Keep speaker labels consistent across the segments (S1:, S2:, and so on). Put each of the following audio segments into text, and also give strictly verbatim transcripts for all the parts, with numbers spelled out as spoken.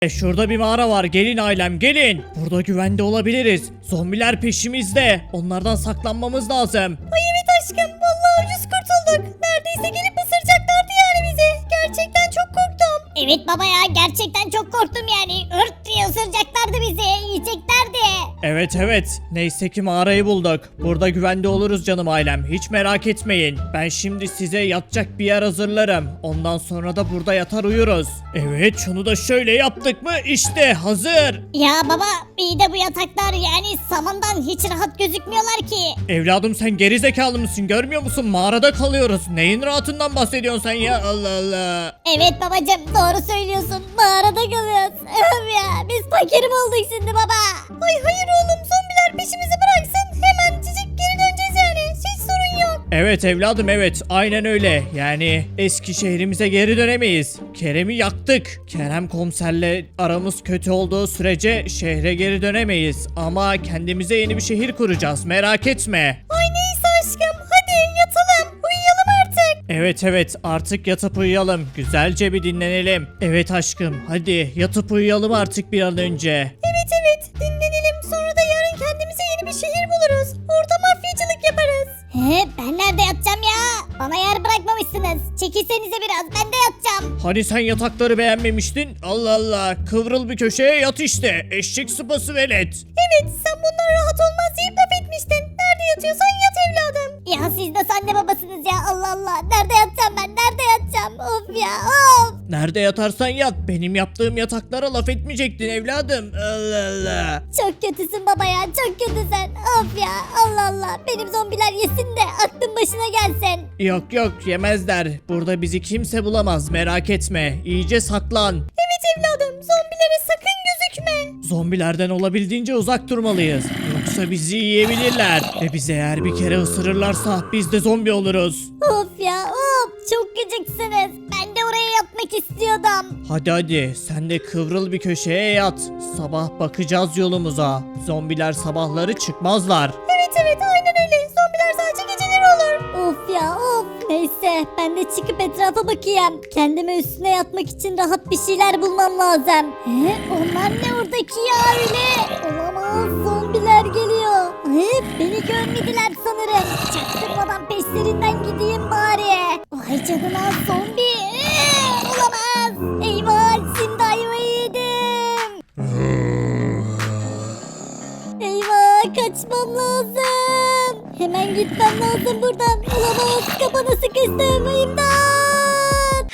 S1: E, Şurada bir mağara var. Gelin ailem gelin. Burada güvende olabiliriz. Zombiler peşimizde. Onlardan saklanmamız lazım.
S2: Ay evet aşkım vallahi ucuz kurtulduk. Neredeyse gelip ısıracaklardı yani bizi. Gerçekten çok korktum. Evet baba ya gerçekten çok korktum yani. Ört diye ısıracaklardı bizi. Yiyeceklerdi.
S1: Evet evet. Neyse ki mağarayı bulduk. Burada güvende oluruz canım ailem. Hiç merak etmeyin. Ben şimdi size yatacak bir yer hazırlarım. Ondan sonra da burada yatar uyuruz. Evet şunu da şöyle yaptık mı? İşte hazır.
S2: Ya baba iyi de bu yataklar yani samandan hiç rahat gözükmüyorlar ki.
S1: Evladım sen gerizekalı mısın? Görmüyor musun? Mağarada kalıyoruz. Neyin rahatından bahsediyorsun sen ya? Allah Allah.
S2: Evet babacım doğru söylüyorsun. Mağarada kalıyoruz. Öf ya biz fakir mi olduk şimdi baba? Ay hayır oğlum zombiler peşimizi bıraksın. Hemen cicik geri döneceğiz yani. Hiç sorun yok.
S1: Evet evladım evet. Aynen öyle. Yani eski şehrimize geri dönemeyiz. Kerem'i yaktık. Kerem komiserle aramız kötü olduğu sürece şehre geri dönemeyiz. Ama kendimize yeni bir şehir kuracağız. Merak etme.
S2: Ay neyse aşkım hadi yatalım. Uyuyalım artık.
S1: Evet evet artık yatıp uyuyalım. Güzelce bir dinlenelim. Evet aşkım hadi yatıp uyuyalım artık bir an önce.
S2: Evet evet dinlenelim. Sonra da yarın kendimize yeni bir şehir buluruz. Orada mafyacılık yaparız. He ben nerede yatacağım ya? Bana yer bırakmamışsınız. Çekilsenize biraz ben de yatacağım.
S1: Hani sen yatakları beğenmemiştin? Allah Allah kıvrıl bir köşeye yat işte. Eşek sıpası velet.
S2: Evet sen bundan rahat olmaz deyip laf etmiştin. Nerede yatıyorsan yat evladım. Ya siz de anne babasınız ya Allah Allah. Nerede yatacağım ben nerede yatacağım? Of ya of.
S1: Nerede yatarsan yat. Benim yaptığım yataklara laf etmeyecektin evladım. Allah Allah.
S2: Çok kötüsün baba ya çok kötüsün. Of ya Allah Allah. Benim zombiler yesin de aklın başına gelsin.
S1: Yok yok yemezler. Burada bizi kimse bulamaz merak etme. İyice saklan.
S2: Evet evladım zombilere sakın gözükme.
S1: Zombilerden olabildiğince uzak durmalıyız. Yoksa bizi yiyebilirler. Ve bizi eğer bir kere ısırırlarsa biz de zombi oluruz.
S2: Of ya of çok gıcıksınız. Ben de oraya yatmak istiyordum.
S1: Hadi hadi sen de kıvrıl bir köşeye yat. Sabah bakacağız yolumuza. Zombiler sabahları çıkmazlar.
S2: Evet evet aynen öyle. Zombiler sadece geceleri olur. Of ya of. Neyse ben de çıkıp etrafa bakayım. Kendime üstüne yatmak için rahat bir şeyler bulmam lazım. He, onlar ne oradaki ya öyle? Olamaz zombiler geliyor. He, beni görmediler sanırım. Çaktırmadan peşlerinden gideyim bari. Vay canına zombi. Ee, olamaz. Eyvah şimdi ayvayı yedim. Eyvah kaçmam lazım. Hemen gitmem lazım buradan. Olamaz kapana sıkıştım. İmdat.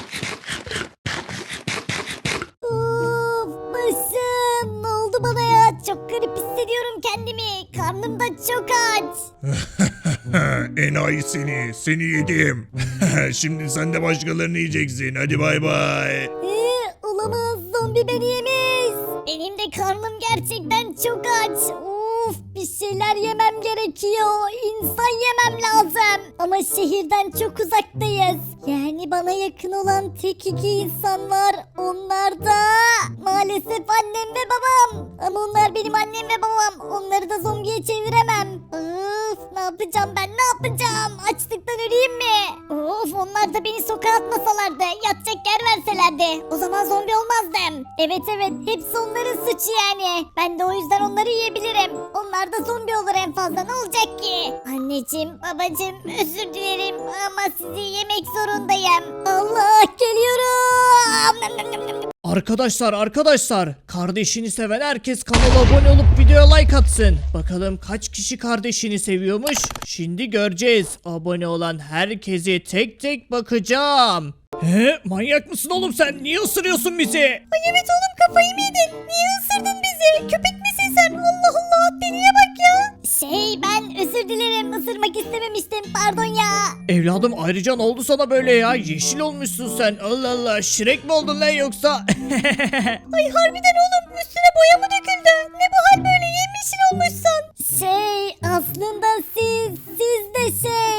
S2: Of başım. Ne oldu bana ya? Çok garip hissediyorum kendimi. Karnım da çok aç.
S3: Enayi seni, seni yedim. Şimdi sen de başkalarını yiyeceksin. Hadi bay bay.
S2: Ee, olamaz zombi beni yemiş. Benim de karnım gerçekten çok aç. Of bir şeyler yemem gerekiyor. İnsan yemem lazım. Ama şehirden çok uzaktayız. Yani bana yakın olan tek iki insan var. Onlar da maalesef annem ve babam. Ama onlar benim annem ve babam. Onları da zombiye çeviremem. Of ne yapacağım ben ne yapacağım? Açlıktan öleyim mi? Of onlar da beni sokağa atmasalardı. Yatacak yer verselerdi. O zaman zombi olmazdım. Evet evet hepsi onların suçu yani. Ben de o yüzden onları yiyebilirim. Onlar da zombi olur en fazla ne olacak ki? Anneciğim babacığım özür dilerim ama sizi yemek zorundayım. Allah geliyorum.
S1: Arkadaşlar arkadaşlar kardeşini seven herkes kanala abone olup videoya like atsın. Bakalım kaç kişi kardeşini seviyormuş. Şimdi göreceğiz. Abone olan herkesi tek tek bakacağım. He manyak mısın oğlum sen? Niye ısırıyorsun bizi?
S2: Ay evet oğlum kafayı mı yedin? Niye ısırdın bizi? Köpek misin sen? Allah Allah deliye bak ya. Şey ben özür dilerim ısırmak istememiştim pardon ya.
S1: Evladım ayrıca ne oldu sana böyle ya? Yeşil olmuşsun sen. Allah Allah Şirek mi oldun lan yoksa?
S2: Ay harbiden oğlum üstüne boya mı döküldü? Ne bu hal böyle yemyeşil olmuşsun? Şey aslında siz siz de şey.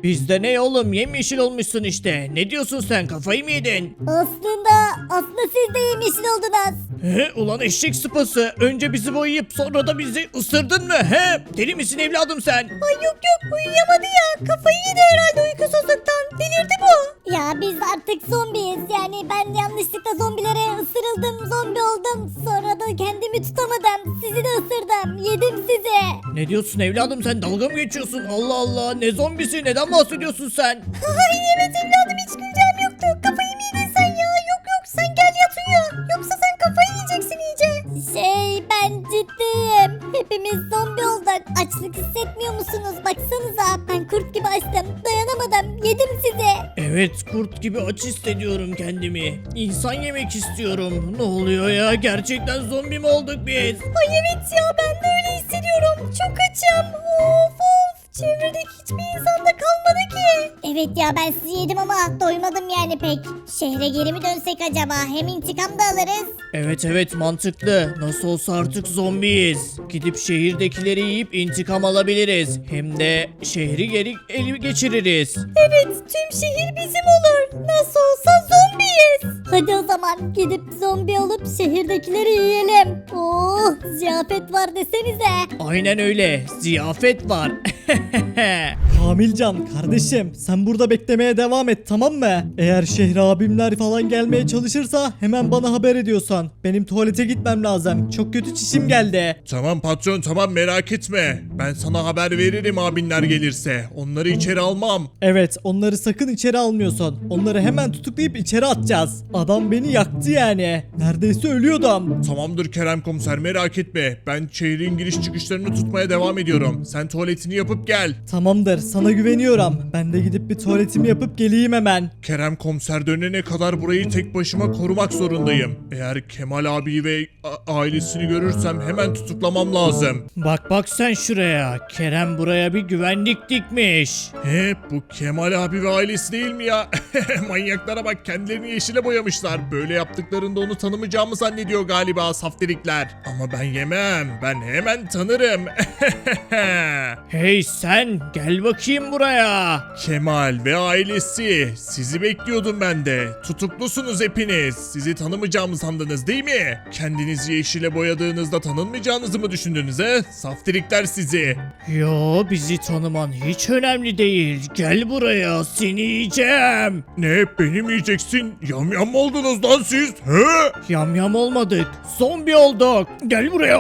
S1: Biz de ne oğlum yemyeşil olmuşsun işte. Ne diyorsun sen, kafayı mı yedin?
S2: Aslında aslında siz de yemişsin oldunuz.
S1: He ulan eşek sıpası. Önce bizi boyayıp sonra da bizi ısırdın mı? He deli misin evladım sen?
S2: Ay yok yok uyuyamadı ya. Kafayı yedi herhalde uykusuzluktan. Delirdi bu. Ya biz artık zombiyiz. Yani ben yanlışlıkla zombilere ısırıldım. Zombi oldum. Sonra da kendimi tutamadım. Sizi de ısırdım. Yedim sizi.
S1: Ne diyorsun evladım sen, dalga mı geçiyorsun? Allah Allah, ne zombisi, neden bahsediyorsun sen?
S2: Ay evet evladım hiç güleceğim yoktu. Kafayı mı yedin sen ya? Yok yok sen gel yat uyu. Yoksa sen kafayı yiyeceksin iyice. Şey ben ciddiyim. Hepimiz zombi olduk. Açlık hissetmiyor musunuz? Baksanıza ben kurt gibi açtım. Dayanamadım. Yedim sizi.
S1: Evet, kurt gibi aç hissediyorum kendimi. İnsan yemek istiyorum. Ne oluyor ya, gerçekten zombi mi olduk biz?
S2: Ay evet ya ben de öyle hissediyorum. Çok açım. Of of. Çevredeki hiçbir insan da kalmadı ki. Evet ya ben sizi yedim ama doymadım yani pek. Şehre geri mi dönsek acaba? Hem intikam da alırız.
S1: Evet evet, mantıklı. Nasıl olsa artık zombiyiz. Gidip şehirdekileri yiyip intikam alabiliriz. Hem de şehri geri ele geçiririz.
S2: Evet tüm şehir bizim olur. Nasıl olsa zombiyiz. Hadi o zaman gidip zombi olup şehirdekileri yiyelim. Oh ziyafet var desenize.
S1: Aynen öyle. Ziyafet var.
S4: Kamilcan kardeşim sen burada beklemeye devam et tamam mı? Eğer şehre abimler falan gelmeye çalışırsa hemen bana haber ediyorsan. Benim tuvalete gitmem lazım. Çok kötü çişim geldi.
S3: Tamam patron tamam merak etme. Ben sana haber veririm abinler gelirse. Onları içeri almam.
S4: Evet onları sakın içeri almıyorsun. Onları hemen tutuklayıp içeri atacağız. Adam beni yaktı yani. Neredeyse ölüyordum.
S3: Tamamdır Kerem komiser merak etme. Ben şehrin giriş çıkışlarını tutmaya devam ediyorum. Sen tuvaletini yapıp gel.
S4: Tamamdır sana güveniyorum. Ben de gidip bir tuvaletimi yapıp geleyim hemen.
S3: Kerem komiser dönene kadar burayı tek başıma korumak zorundayım. Eğer Kemal abi ve a- ailesini görürsem hemen tutuklamam lazım.
S1: Bak bak sen şuraya. Kerem buraya bir güvenlik dikmiş.
S3: He bu Kemal abi ve ailesi değil mi ya? Manyaklara bak kendilerini yeşile boyamışlar. Böyle yaptıklarında onu tanımayacağımı zannediyor galiba saftirikler. Ama ben yemem. Ben hemen tanırım.
S1: Hey sen, gel bakayım buraya.
S3: Kemal ve ailesi. Sizi bekliyordum ben de. Tutuklusunuz hepiniz. Sizi tanımayacağımı sandınız değil mi? Kendinizi yeşile boyadığınızda tanınmayacağınızı mı düşündünüz he? Saftirikler sizi.
S1: Yo, bizi tanıman hiç önemli değil. Gel buraya, seni yiyeceğim.
S3: Ne beni mi yiyeceksin? Yamyam mı oldunuz lan siz? He?
S1: Yamyam olmadık, zombi olduk. Gel buraya.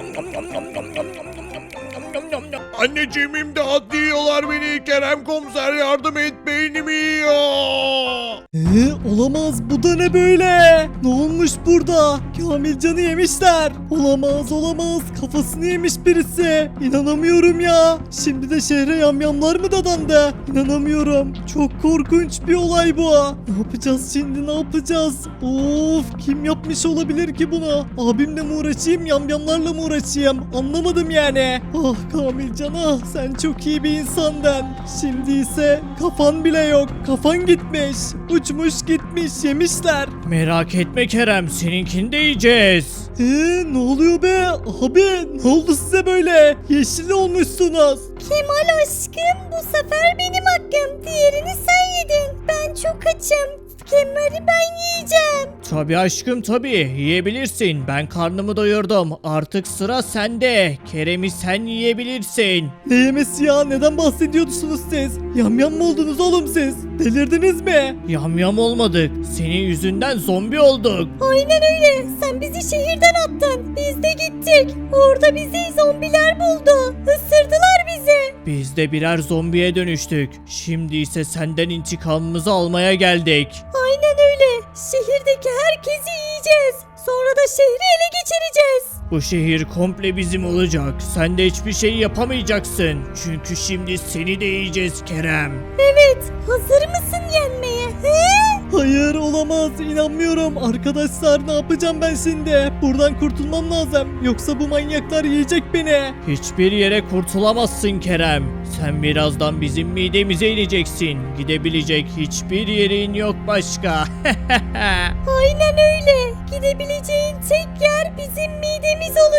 S3: Anneciğim imdat diyorlar beni. Kerem komiser yardım et beynimi yiyor.
S4: Ee, olamaz bu da ne böyle? Ne olmuş burada? Kamilcan'ı yemişler. Olamaz olamaz kafasını yemiş birisi. İnanamıyorum ya. Şimdi de şehre yamyamlar mı dadandı? İnanamıyorum. Çok korkunç bir olay bu. Ne yapacağız şimdi ne yapacağız? Of kim yapmış olabilir ki bunu? Abimle mi uğraşayım yamyamlarla mı uğraşayım? Anlamadım yani. Ah Kamilcan ah sen çok iyi bir insandın. Şimdi ise kafan bile yok. Kafan gitmiş. Uçmuş gitmiş yemişler.
S1: Merak etme Kerem, seninkini de yiyeceğiz.
S4: Eee ne oluyor be? Abi ne oldu size böyle? Yeşil olmuşsunuz.
S2: Kemal aşkım bu sefer benim hakkım. Diğerini sen yedin. Ben çok açım. Kemal'i ben yiyeceğim.
S1: Tabii aşkım tabii, yiyebilirsin. Ben karnımı doyurdum. Artık sıra sende. Kerem'i sen yiyebilirsin.
S4: Ne yemesi ya? Neden bahsediyorsunuz siz? Yamyam mı oldunuz oğlum siz? Delirdiniz mi?
S1: Yamyam olmadık. Senin yüzünden zombi olduk.
S2: Aynen öyle. Sen bizi şehirden attın. Biz de gittik. Orada bizi zombiler buldu. Isırdılar bizi.
S1: Biz de birer zombiye dönüştük. Şimdi ise senden intikamımızı almaya geldik.
S2: Aynen öyle. Şehirdeki herkesi yiyeceğiz. Sonra da şehri ele geçireceğiz.
S1: Bu şehir komple bizim olacak. Sen de hiçbir şey yapamayacaksın. Çünkü şimdi seni de yiyeceğiz Kerem.
S2: Evet. Hazır mısın yenmeye? He?
S4: Hayır olamaz inanmıyorum. Arkadaşlar ne yapacağım ben şimdi? Buradan kurtulmam lazım. Yoksa bu manyaklar yiyecek beni.
S1: Hiçbir yere kurtulamazsın Kerem. Sen birazdan bizim midemize ineceksin. Gidebilecek hiçbir yerin yok başka.
S2: Aynen öyle. Gidebileceğin tek yer bizim midemiz olacak.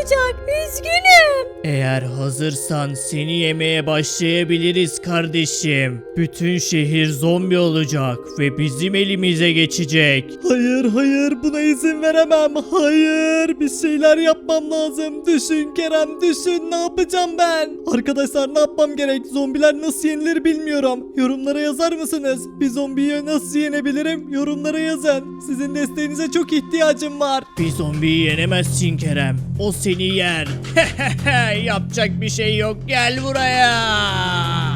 S2: olacak. Üzgünüm.
S1: Eğer hazırsan seni yemeye başlayabiliriz kardeşim. Bütün şehir zombi olacak ve bizim elimize geçecek.
S4: Hayır hayır buna izin veremem. Hayır bir şeyler yapmam lazım. Düşün Kerem düşün ne yapacağım ben? Arkadaşlar ne yapmam gerek? Zombiler nasıl yenilir bilmiyorum. Yorumlara yazar mısınız? Bir zombiyi nasıl yenebilirim? Yorumlara yazın. Sizin desteğinize çok ihtiyacım var.
S1: Bir zombiyi yenemezsin Kerem. O seni yer. Yapacak bir şey yok. Gel buraya.